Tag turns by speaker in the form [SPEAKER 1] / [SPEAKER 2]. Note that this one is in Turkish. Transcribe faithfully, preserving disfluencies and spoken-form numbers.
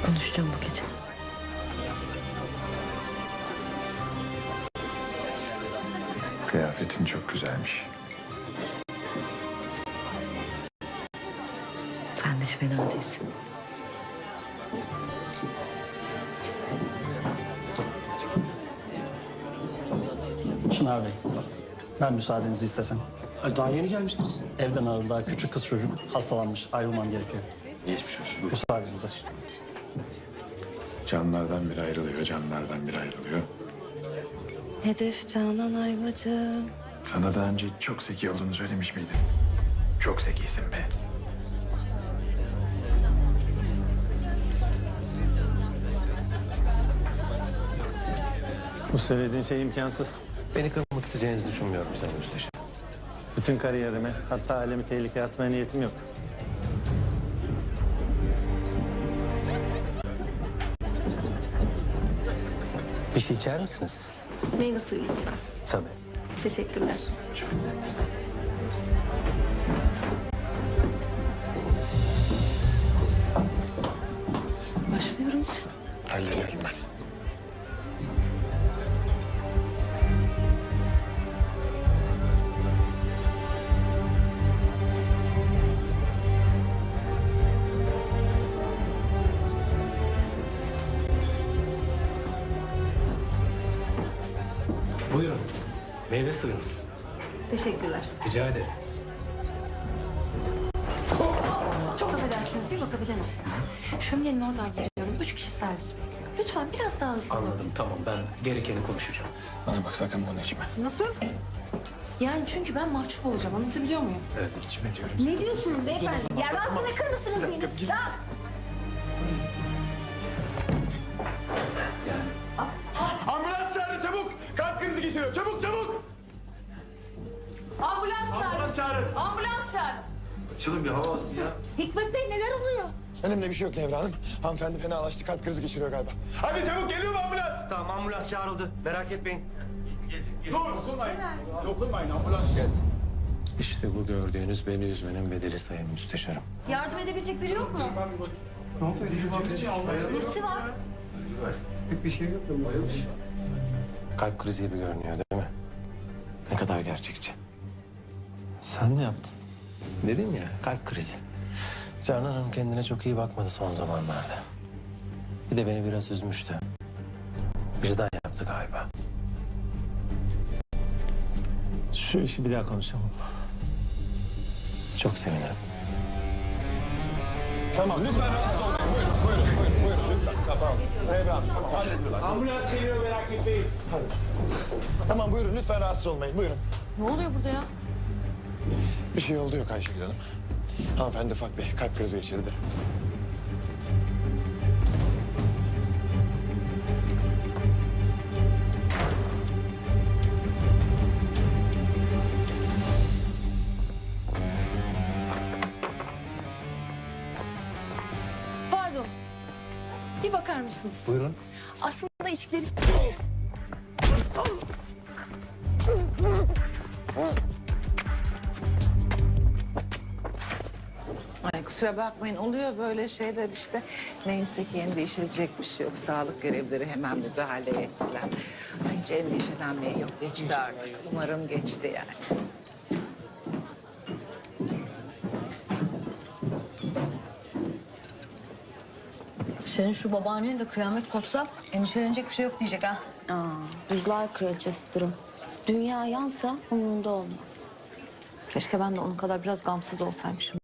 [SPEAKER 1] Konuşacağım bu gece.
[SPEAKER 2] Kıyafetin çok güzelmiş.
[SPEAKER 1] Sen de hiç fena değilsin.
[SPEAKER 3] Çınar Bey, ben müsaadenizi istesem.
[SPEAKER 4] Daha yeni gelmiştiniz.
[SPEAKER 3] Evden aradı daha küçük kız çocuk hastalanmış, ayrılmam gerekiyor.
[SPEAKER 4] Geçmiş olsun. Buyurun.
[SPEAKER 3] Müsaadenizle.
[SPEAKER 2] Canlardan biri ayrılıyor, canlardan biri ayrılıyor.
[SPEAKER 1] Hedef Canan Ayvacı.
[SPEAKER 2] Sana daha önce çok zeki olduğunu söylemiş miydim? Çok zekisin be.
[SPEAKER 5] Bu söylediğin şey imkansız.
[SPEAKER 4] Beni kırmak isteyeceğinizi düşünmüyorum Sayın Müsteşar.
[SPEAKER 5] Bütün kariyerimi, hatta ailemi tehlikeye atmaya niyetim yok.
[SPEAKER 4] Bir şey içer misiniz?
[SPEAKER 1] Meyve suyu lütfen.
[SPEAKER 4] Tabii.
[SPEAKER 1] Teşekkürler. Başlıyoruz.
[SPEAKER 2] Hallederim ben.
[SPEAKER 4] Buyurun. Meyve suyunuz.
[SPEAKER 1] Teşekkürler.
[SPEAKER 4] Rica ederim.
[SPEAKER 1] Çok affedersiniz, bir bakabilir misiniz? Şöminenin oradan geliyorum. Üç kişi servis bekliyor. Lütfen biraz daha hızlı olun.
[SPEAKER 4] Anladım, tamam. Ben gerekeni konuşacağım.
[SPEAKER 2] Bana bak sakın bunu içme.
[SPEAKER 1] Nasıl? Yani çünkü ben mahcup olacağım. Anlatabiliyor muyum?
[SPEAKER 2] Evet içme diyorum.
[SPEAKER 6] Ne diyorsunuz beyefendi? Ya rahat bırakır mısınız beni? Rahat.
[SPEAKER 2] Ambulans çağırın çabuk! Kalp krizi geçiriyor. Çabuk çabuk!
[SPEAKER 7] Ambulans çağır. Ambulans çağır. Ambulans çağır.
[SPEAKER 2] Açılın bir hava alsın ya.
[SPEAKER 6] Hikmet Bey neler oluyor?
[SPEAKER 2] Önemli bir şey yok Nevra Hanım. Hanımefendi fenalaştı. Kalp krizi geçiriyor galiba. Hadi çabuk geliyor mu ambulans?
[SPEAKER 4] Tamam, ambulans çağrıldı. Merak etmeyin. İşte bu gördüğünüz beni üzmenin bedeli Sayın Müsteşarım.
[SPEAKER 7] Yardım edebilecek biri yok mu? Nesi var?
[SPEAKER 4] Kalp krizi gibi görünüyor değil mi? Ne kadar gerçekçi.
[SPEAKER 5] Sen mi yaptın?
[SPEAKER 4] Dedim ya, kalp krizi. Canan Hanım kendine çok iyi bakmadı son zamanlarda. Bir de beni biraz üzmüştü. Vicdan yaptı galiba.
[SPEAKER 5] Şu işi bir daha konuşalım.
[SPEAKER 4] Çok sevinirim.
[SPEAKER 2] Tamam lütfen rahatsız olmayın. Buyurun, buyurun, buyurun, buyurun lütfen. Tamam. Nevra Hanım, tamam hallediyorlar.
[SPEAKER 4] Ambulans geliyor, merak etmeyin.
[SPEAKER 2] Hadi. Tamam buyurun lütfen rahatsız olmayın. Buyurun.
[SPEAKER 1] Ne oluyor burada ya?
[SPEAKER 2] Bir şey oldu yok Ayşegül Hanım. Hanımefendi ufak bir kalp krizi geçirdi.
[SPEAKER 7] Pardon. Bir bakar mısınız?
[SPEAKER 4] Buyurun.
[SPEAKER 7] Aslında içkileri...
[SPEAKER 8] Ay kusura bakmayın oluyor böyle şeyler işte. Neyse ki endişelenecek bir şey yok. Sağlık görevlileri hemen müdahale ettiler. Ay hiç endişelenmeye yok. Geçti artık. Umarım geçti yani.
[SPEAKER 7] Senin şu babaannen de kıyamet kopsa endişelenecek bir şey yok diyecek ha.
[SPEAKER 6] Aa, buzlar kraliçesi durum. Dünya yansa umurunda olmaz.
[SPEAKER 7] Keşke ben de onun kadar biraz gamsız olsaymışım.